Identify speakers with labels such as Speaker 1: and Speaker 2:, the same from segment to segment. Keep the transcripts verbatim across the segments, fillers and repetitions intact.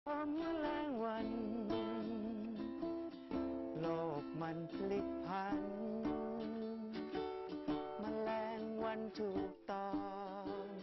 Speaker 1: พอแมลงวันโลกมันพลิกพันแมลงวันถูกตอง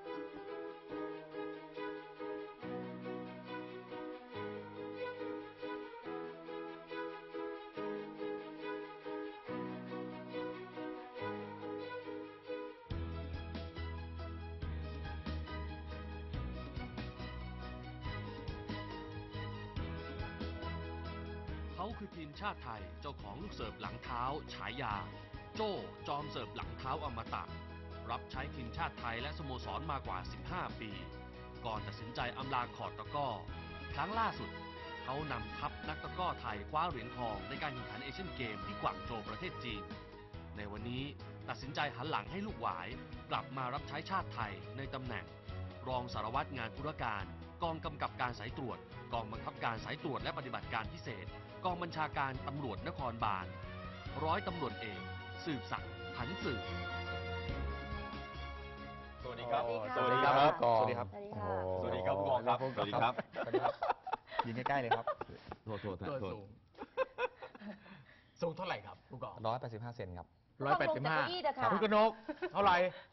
Speaker 2: เขาคือทีมชาติไทยเจ้าของลูกเสิร์ฟหลังเท้าฉายาโจ้จอมเสิร์ฟหลังเท้าอมตะรับใช้ทีมชาติไทยและสโมสรมากว่าสิบห้าปีก่อนตัดสินใจอำลาคอร์ตตะกร้อครั้งล่าสุดเขานำทัพนักตะกร้อไทยคว้าเหรียญทองในการแข่งขันเอเชียนเกมที่กวางโจวประเทศจีนในวันนี้ตัดสินใจหันหลังให้ลูกหวายกลับมารับใช้ชาติไทยในตำแหน่งรองสารวัตรงานธุรการกองกำกับการสายตรวจกองบังคับการสายตรวจและปฏิบัติการพิเศษกองบัญชาการตำรวจนครบาลร้อยตำรวจเอกสืบศักดิ์ผันสืบ
Speaker 3: สวัสดีครับ
Speaker 4: สวัสดีครับ
Speaker 3: สวัสดีครับ
Speaker 4: สวัสดีครับ
Speaker 3: สวัสดีครับผู้กองครับสวัสดีครับสวัสดีครับ
Speaker 4: ยืนใกล้ๆเลยครับ
Speaker 3: โทษโทษโทษ
Speaker 5: สูงเท่าไหร่ครับผู้กอง
Speaker 4: ร้อยแปดสิบห้าเซนครับ
Speaker 5: ร้อยแปดสิบห้า
Speaker 3: คุ
Speaker 5: ณกนกเท่าไหร่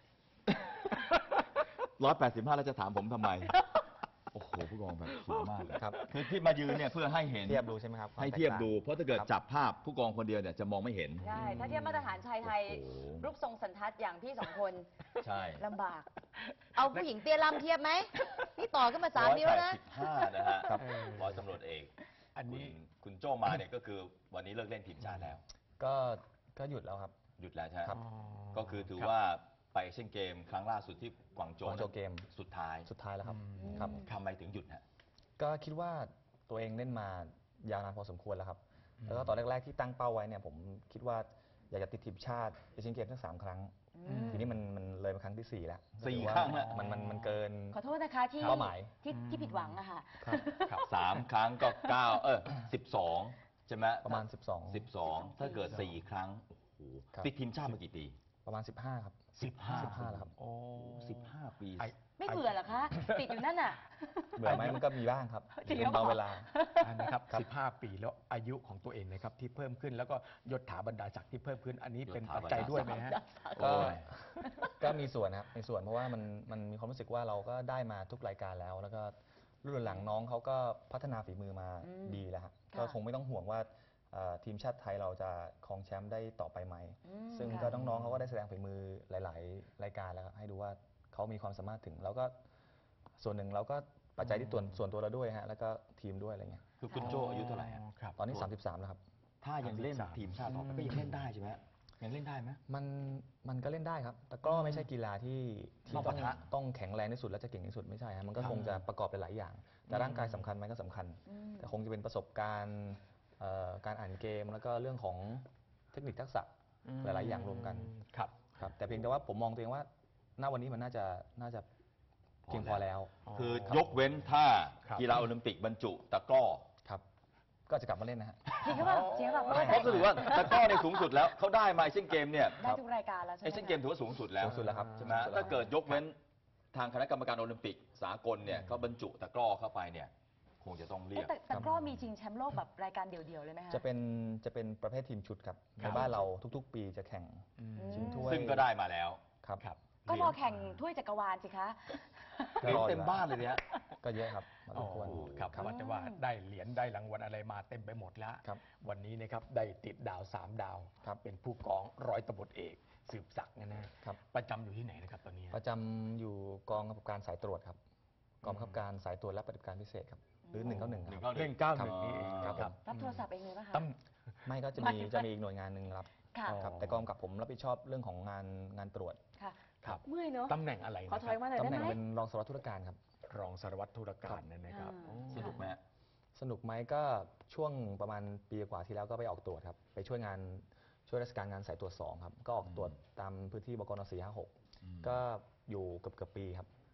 Speaker 3: ร้อยแปดสิบห้าแล้วจะถามผมทำไมโอ้โหผู้กองแบบสูงมากเลยครับคือที่มายืนเนี่ยเพื่อให้เห็น
Speaker 4: เทียบดูใช่ไหมครับ
Speaker 3: ให้เทียบดูเพราะถ้าเกิดจับภาพผู้กองคนเดียวเนี่ยจะมองไม่เห็น
Speaker 6: ใช่ถ้าเทียบมาตรฐานชายไทยรูปทรงสันทัดอย่างพี่สองคน
Speaker 3: ใช่
Speaker 6: ลำบากเอาผู้หญิงเตี้ยลำเทียบไหมนี่ต่อขึ้นมาสามนิ้วนะ
Speaker 3: สิบห้านะฮะร้อยตำรวจเอกอันนี้คุณโจมาเนี่ยก็คือวันนี้เลิกเล่นทีมชาติแล้ว
Speaker 4: ก็ก็หยุดแล้วครับ
Speaker 3: หยุดแล้วใช่ไหมก็คือถือว่าไปเอเชียนเกมครั้งล่าสุดที่กวางโจว
Speaker 4: เกม
Speaker 3: สุดท้าย
Speaker 4: สุดท้ายแล้วครับครับ
Speaker 3: ทำไมถึงหยุดฮะ
Speaker 4: ก็คิดว่าตัวเองเล่นมายาวนานพอสมควรแล้วครับแล้วก็ตอนแรกๆที่ตั้งเป้าไว้เนี่ยผมคิดว่าอยากจะติดทีมชาติเอเชียนเกมทั้งสามครั้งทีนี้มันมันเลยมาครั้งที่สี่แล้ว
Speaker 3: สี่ครั้งแล้ว
Speaker 4: มันมันมันเกิน
Speaker 6: ขอโทษนะคะที่
Speaker 4: เป้าหมาย
Speaker 6: ที่ที่ผิดหวังอะค่ะ
Speaker 3: ครับสามครั้งก็เก้าเออสิบสองใช่ไหม
Speaker 4: ประมาณสิบสอง
Speaker 3: สิบสองถ้าเกิดสี่ครั้งโอ้โหติดทีมชาติมากี่ปี
Speaker 4: ประมาณสิบห้าครับ
Speaker 3: สิบห้า
Speaker 4: สิบห้าแล้วครับ
Speaker 3: โอ้สิบห้าปี
Speaker 6: ไม่เบื่อเหรอคะติดอยู่นั่นน่ะ
Speaker 4: เบื่อไหมมันก็มีบ้างครับบางเวลา
Speaker 5: นะครับสิบห้าปีแล้วอายุของตัวเองนะครับที่เพิ่มขึ้นแล้วก็ยศถาบรรดาศักดิ์ที่เพิ่มขึ้นอันนี้เป็นปัจจัยด้วยไหมฮะ
Speaker 4: ก็ก็มีส่วนนะครับมีส่วนเพราะว่ามันมันมีความรู้สึกว่าเราก็ได้มาทุกรายการแล้วแล้วก็รุ่นหลังน้องเขาก็พัฒนาฝีมือมาดีแล้วครับก็คงไม่ต้องห่วงว่าทีมชาติไทยเราจะครองแชมป์ได้ต่อไปไหมซึ่งก็น้องๆเขาก็ได้แสดงฝีมือหลายๆรายการแล้วให้ดูว่าเขามีความสามารถถึงแล้วก็ส่วนหนึ่งเราก็ปัจจัยที่ตัวส่วนตัวเราด้วยฮะแล้วก็ทีมด้วยอะไรเงี้ย
Speaker 3: คือคุณโจอายุเท่าไหร่
Speaker 4: ครับตอนนี้สามสิบสามแล้วครับ
Speaker 3: ถ้ายังเล่นทีมชาติต่อไปก็ยังเล่นได้ใช่ไหมยังเล่นได้ไหม
Speaker 4: มันมันก็เล่นได้ครับแต่ก็ไม่ใช่กีฬาที่ที่ต้องต้องแข็งแรงที่สุดและจะเก่งที่สุดไม่ใช่ฮะมันก็คงจะประกอบไปหลายอย่างแต่ร่างกายสำคัญไหมก็สำคัญแต่คงจะเป็นประสบการณ์การอ่านเกมแล้วก็เรื่องของเทคนิคทักษะหลายๆอย่างรวมกัน
Speaker 5: ครับ
Speaker 4: ครับแต่เพียงแต่ว่าผมมองตัวเองว่าณวันนี้มันน่าจะน่าจะเพียงพอแล้ว
Speaker 3: คือยกเว้นถ้ากีฬาโอลิมปิกบรรจุตะกร้อ
Speaker 4: ครับก็จะกลับมาเล่นนะฮะ
Speaker 6: จริงหรือเปล่าจริงหรือเปล่า
Speaker 3: เพราะถือว่าตะกร้อในสูงสุดแล้วเขาได้มาเอเชียนเกมเนี่ย
Speaker 6: ได้ทุกรายการแล้วใช่ไหม
Speaker 3: เอเชียนเกมถือว่าสูงสุดแล้ว
Speaker 4: สูงสุดแล้วครับ
Speaker 3: ใช่ไหมถ้าเกิดยกเว้นทางคณะกรรมการโอลิมปิกสากลเนี่ยเขาบรรจุตะกร้อเข้าไปเนี่ยคงจะต้องเรียก
Speaker 6: แต่ตะกร้อมีชิงแชมป์โลกแบบรายการเดี่ยวๆเลยไหมคะ
Speaker 4: จะเป็นจะเป็นประเภททีมชุดครับในบ้านเราทุกๆปีจะแข่งชิงถ้วย
Speaker 3: ซึ่งก็ได้มาแล้ว
Speaker 4: ครับ
Speaker 6: ก็รอแข่งถ้วยจักรวาลสิคะ
Speaker 3: เต็มบ้านเลยเนี่ย
Speaker 4: ก็เยอะครับ
Speaker 5: อ๋อครับว่าแต่ว่าได้เหรียญได้รางวัลอะไรมาเต็มไปหมดแล้ววันนี้นะครับได้ติดดาวสามดาวเป็นผู้กองร้อยตำรวจเอกสืบศักดิ์นะนะครับประจำอยู่ที่ไหนนะครับตอนนี้
Speaker 4: ประจำอยู่กองกำกับการสายตรวจครับกองกำกับการสายตรวจและปฏิบัติการพิเศษครับหรือหนึ่งเก้าหนึ่งครับ
Speaker 5: หนึ่งเก้าหนึ่งนี่เอง
Speaker 6: ครับรับโทรศัพท์เองเลยป่ะคะ
Speaker 4: ไม่ก็จะมีจะมีอีกหน่วยงานหนึ่งรับครับแต่กองกับผมรับผิดชอบเรื่องของงานงานตรวจ
Speaker 6: ครับเมื่อยเนาะ
Speaker 5: ตำแหน่งอะไร
Speaker 6: ขอถอยมาหน่อยได้ไหม
Speaker 4: ตำแหน่งเป็นรองสารวัตรธุรการครับ
Speaker 5: รองสารวัตรธุรการนั่นนะครับ
Speaker 3: สนุกไหม
Speaker 4: สนุกไหมก็ช่วงประมาณปีกว่าที่แล้วก็ไปออกตรวจครับไปช่วยงานช่วยราชการงานสายตรวจสองครับก็ออกตรวจตามพื้นที่บกนสี่ห้าหกก็อยู่เกือบเกือบปีครับ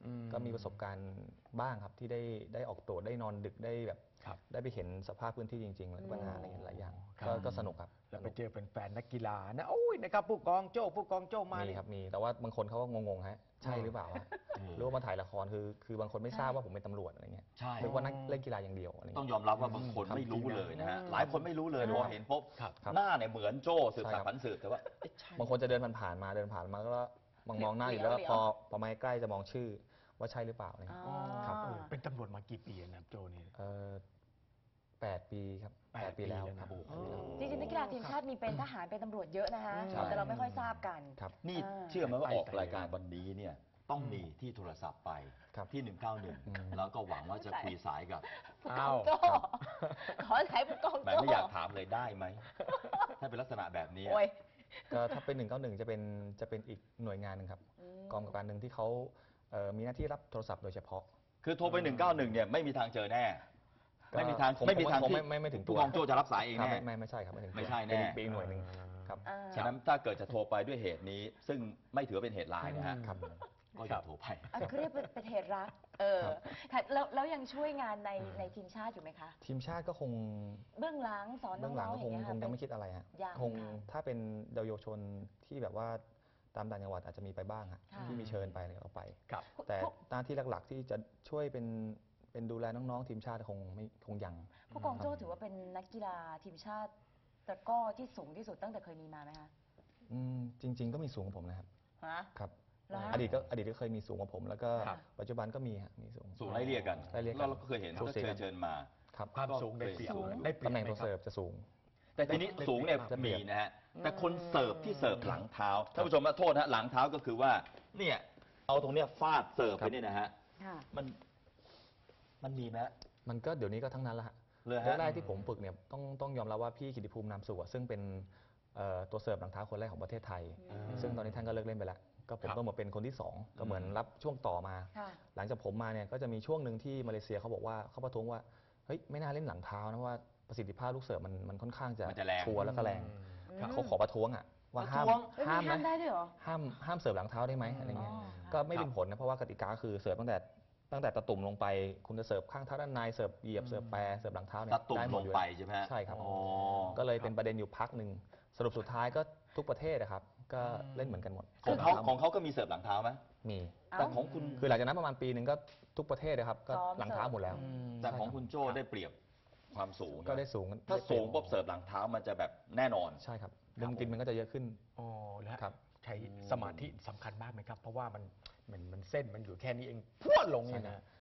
Speaker 5: อืม
Speaker 4: ก็มีประสบการณ์บ้างครับที่ได้ได้ออกตัวได้นอนดึกได้แบบ
Speaker 5: ครับ
Speaker 4: ได้ไปเห็นสภาพพื้นที่จริงๆแล้วก็ปัญหาอะไรหลายอย่าง
Speaker 5: ครับ
Speaker 4: ก็ก็สนุกครับ
Speaker 5: แล้วไปเจอเป็นแฟนนักกีฬานะโอ้ยนะครับผู้กองโจ้ผู้กองโจ้มา
Speaker 4: มี
Speaker 5: เนี่ย
Speaker 4: ครับมีแต่ว่าบางคนเขาก็งงๆฮะใช่หรือเปล่าฮะหรือว่ามาถ่ายละครคือคือบางคนไม่ทราบว่าผมเป็นตำรวจอะไรเงี้ย
Speaker 3: ใช่
Speaker 4: นึกว่านักเล่นกีฬาอย่างเดียวอะไร
Speaker 3: ต้อ
Speaker 4: เงี้
Speaker 3: ง
Speaker 4: ย
Speaker 3: ยอมรับว่าบางคน
Speaker 5: ครับ
Speaker 3: ไม่รู้เลยนะฮะ
Speaker 5: อืม
Speaker 3: หลายคนไม่รู้เลยพอเห็นปุ๊บ
Speaker 5: ครับ
Speaker 4: ครับ
Speaker 3: หน้าเนี่ยเหมือนโจ้สืบ
Speaker 4: ใช่
Speaker 3: สา
Speaker 4: ครั
Speaker 3: ร
Speaker 4: บ
Speaker 3: พันสืบแต่ว่าเอ๊ะใช่
Speaker 4: บางคนจะเดินผ่านๆมาเดินผ่านมาก็มองมองหน้าอยู่แล้ว
Speaker 6: เหลียว
Speaker 4: พอพอมาใกล้จะมองชื่อว่าใช่หรือเปล่าอะไร
Speaker 6: อ๋
Speaker 4: เงี้ย
Speaker 6: อ
Speaker 4: ครับ
Speaker 5: เออเป็นตำรวจมากี่ปีนะครับโจนี่
Speaker 4: เออแปดปีครับ
Speaker 5: แปด
Speaker 4: แปดปีแล้ว
Speaker 5: ปีแล้ว
Speaker 4: ครับ
Speaker 5: นะ
Speaker 4: แปดปีแล้ว
Speaker 6: จริงๆนักกีฬาทีมชาติมีเป็นทหารเป็นตำรวจเยอะนะคะ
Speaker 3: ใช่
Speaker 6: แต่เราไม่ค่อยทราบกัน
Speaker 4: ครับ
Speaker 3: นี่
Speaker 6: อ่า
Speaker 3: เชื่อไหมว่า
Speaker 5: ไป
Speaker 3: ออก
Speaker 5: ไกล
Speaker 3: รายการวันนี้เนี่ยต้องมีที่โทรศัพท์ไป
Speaker 4: ครับ
Speaker 3: ที่หนึ่งเก้าหนึ่ง
Speaker 4: อืม
Speaker 3: แล้วก็หวังว่าจะคุยสายกับ
Speaker 6: ผู้กองโจ้ขอใช้ผู้กอง
Speaker 3: แหม
Speaker 6: โจ้
Speaker 3: ไม่อยากถามเลยได้ไหม ถ้าเป็นลักษณะแบบนี้
Speaker 6: โอ้ย
Speaker 4: ก็ถ้าเป็นหนึ่งเก้าหนึ่งจะเป็นจะเป็นอีกหน่วยงานหนึ่งครับ
Speaker 6: อืม
Speaker 4: กองกำกับการหนึ่งที่เขาเอ่อมีหน้าที่รับโทรศัพท์โดยเฉพาะ
Speaker 3: คือโทรไปหนึ่งเก้าหนึ่งเนี่ยไม่มีทางเจอแน่
Speaker 4: ก็
Speaker 3: ไม่มีทาง
Speaker 4: คง
Speaker 3: ไม่มีทาง
Speaker 4: คง
Speaker 3: ที่
Speaker 4: ไม่ไม่ไม่ถึงตัว
Speaker 3: ผู้กองโจ้จะรับสายเอง
Speaker 4: ครับ
Speaker 3: แน่
Speaker 4: ไม่ไม่ไม่ใช่ครับไม่ถึงตัว
Speaker 3: ไม่ใช่แน่
Speaker 4: เป็นอีกเป็นอีกหน่วยหนึ่งครับ
Speaker 6: อ่า
Speaker 3: ฉะนั้นถ้าเกิดจะโทรไปด้วยเหตุนี้ ซึ่งไม่ถือว่าเป็นเหตุร้ายนะฮะ
Speaker 4: ครับ
Speaker 3: ก็อย่าโทรไป
Speaker 6: อันเขาเรียกเป็นเป็นเหตุรัก เออ
Speaker 4: ครับ
Speaker 6: ค่ะแล้วแล้วยังช่วยงานในในทีมชาติอยู่ไหมคะ
Speaker 4: ทีมชาติก็คง
Speaker 6: เบื้องหลังสอนน้
Speaker 4: เบื้องหลั
Speaker 6: อง งๆอ
Speaker 4: ก็ค
Speaker 6: ย่าง งเงี้ย
Speaker 4: ค
Speaker 6: ค่ะ
Speaker 4: ง
Speaker 6: เป็
Speaker 4: ยัง
Speaker 6: น
Speaker 4: ไม่คิดอะไรฮะ
Speaker 6: ยัง
Speaker 4: คง
Speaker 6: ค่ะ
Speaker 4: ถ้าเป็นเยาวชนที่แบบว่าตามต่างจังหวัดอาจจะมีไปบ้างฮะ
Speaker 6: ค่ะ
Speaker 4: ที่มีเชิญไปอะไรก็ไป
Speaker 5: ครับ
Speaker 4: แต่หน้าที่หลักๆที่จะช่วยเป็นเป็นดูแลน้องๆทีมชาติคงไม่คงยัง
Speaker 6: ผู้กองโจ้ถือว่าเป็นนักกีฬาทีมชาติตะกร้อที่สูงที่สุดตั้งแต่เคยมีมาไหมคะ
Speaker 4: อืมจริง ๆ ก็มีสูงกว่าผมนะครับ
Speaker 6: ฮะ
Speaker 4: ครับ
Speaker 6: เหรอฮะ
Speaker 4: อดีตก็อดีตก็เคยมีสูงกว่าผม แล้วก็
Speaker 5: ครับ
Speaker 4: ปัจจุบันก็มีฮะมีสูง
Speaker 3: สูงไล่เรียกกัน
Speaker 4: ไล่เรียกกัน
Speaker 3: แล้วเราก็เคยเห็น
Speaker 4: สู
Speaker 3: ก็
Speaker 4: สี
Speaker 3: เค
Speaker 4: กั
Speaker 3: ย
Speaker 4: น
Speaker 3: เชิญมา
Speaker 4: ครับ
Speaker 5: ความสูงได้เปรียบ
Speaker 3: สูง
Speaker 5: ได้เปรียบ
Speaker 4: ตำแหน่ง
Speaker 5: ไม
Speaker 4: ตัว
Speaker 5: ค
Speaker 4: เสิ
Speaker 5: บ
Speaker 4: ร์ฟจะสูง
Speaker 3: แต่ทีนี้
Speaker 5: ได้
Speaker 3: สูงเนี่ย
Speaker 4: ได้เปรี
Speaker 3: มี
Speaker 4: ยบ
Speaker 3: นะฮะ แต่คนเสิร์ฟที่เสิร์ฟหลังเท้าท่านผู้ชมนะโทษนะหลังเท้าก็คือว่า เนี่ยเอาตรงเนี้ยฟาดเสิร์ฟไปเนี่ยนะฮะ
Speaker 6: ค่ะ
Speaker 3: มันมันมีไหมฮะ
Speaker 4: มันก็เดี๋ยวนี้ก็ทั้งนั้นละฮะ
Speaker 3: เลยฮะ
Speaker 4: แรกๆที่ผมฝึกเนี่ยต้องต้องยอมรับว่าพี่กิติภูมินามสุขอะซึ่งเป็นเอ่อตัวเสิร์ฟหลังเท้าคนแรกของประเทศไทย
Speaker 6: อืม
Speaker 4: ซึ่งตอนนี้ท่านก็เลิกเล่นไปแล้ว ก็ผม
Speaker 5: ครับ
Speaker 4: ต้องมาเป็นคนที่สองก็เหมือนรับช่วงต่อมา
Speaker 6: ค่ะ
Speaker 4: หลังจากผมมาเนี่ยก็จะมีช่วงหนึ่งที่มาเลเซียเขาบอกว่าเขาประท้วงว่าเฮ้ยไม่น่าเล่นหลังเท้านะเพราะว่าประสิทธิภาพลูกเสิร์ฟมันมันค่อนข้างจะ
Speaker 3: มันจะแรง
Speaker 4: ชัวร์แล้วก็แรง
Speaker 6: ครับ
Speaker 4: เขาขอประท้วงอ่ะว่าห้าม
Speaker 3: ประท้วง
Speaker 6: เอ้ย
Speaker 4: ห้าม
Speaker 6: มีห้าม
Speaker 4: นะ
Speaker 6: ได้ด้วยเหรอ
Speaker 4: ห้ามห้ามเสิร์ฟหลังเท้าได้ไหมอะไรเงี้ย
Speaker 6: อ๋อ
Speaker 4: ก็ไม่เป็นผลนะเพราะว่ากติกาคือเสิร์ฟตั้งแต่ตั้งแต่ตะตุ่มลงไป คุณจะเสิร์ฟข้างเท้าด้านในเสิร์ฟเหยียบเสิร์ฟแปรเสิร์ฟหลังเท้าเนี่ย
Speaker 3: ตะตุ่ม
Speaker 4: ได้ห
Speaker 3: ล
Speaker 4: มด
Speaker 3: ง
Speaker 4: อยู่
Speaker 3: ไป
Speaker 4: แล้ว
Speaker 3: ใช่ไหมฮะ
Speaker 4: ใช่ครับ
Speaker 3: อ๋อ
Speaker 4: ก็เลยเป็นประเด็นอยู่พักหนึ่งสรุปสุดท้ายก็ทุกประเทศนะครับ ก็เล่นเหมือนกันหมด
Speaker 3: ของเขาของเขาก็มีเสิร์ฟหลังเท้าไหม
Speaker 4: มี
Speaker 6: เอ้า
Speaker 3: แต่ของคุณ
Speaker 4: คือหลังจากนั้นประมาณปีหนึ่งก็ทุกประเทศนะครับก็
Speaker 6: ซ้อม
Speaker 4: หลังเท้าหมดแล้ว
Speaker 6: อืม
Speaker 3: แต่ของคุณโจ้ได้เปรียบความสูง
Speaker 4: ก็ได้สูง
Speaker 3: ถ้าสูงปุ๊บเสิร์ฟหลังเท้ามันจะแบบแน่นอน
Speaker 4: ใช่ครับมุมกินมันก็จะเยอะขึ้น
Speaker 5: อ๋อแล้ว
Speaker 4: ครับ
Speaker 5: ใช้สมาธิสำคัญมากไหมครับ เพราะว่ามันมันมันเส้นมันอยู่แค่นี้เองพรวดลงเนี่ยนะ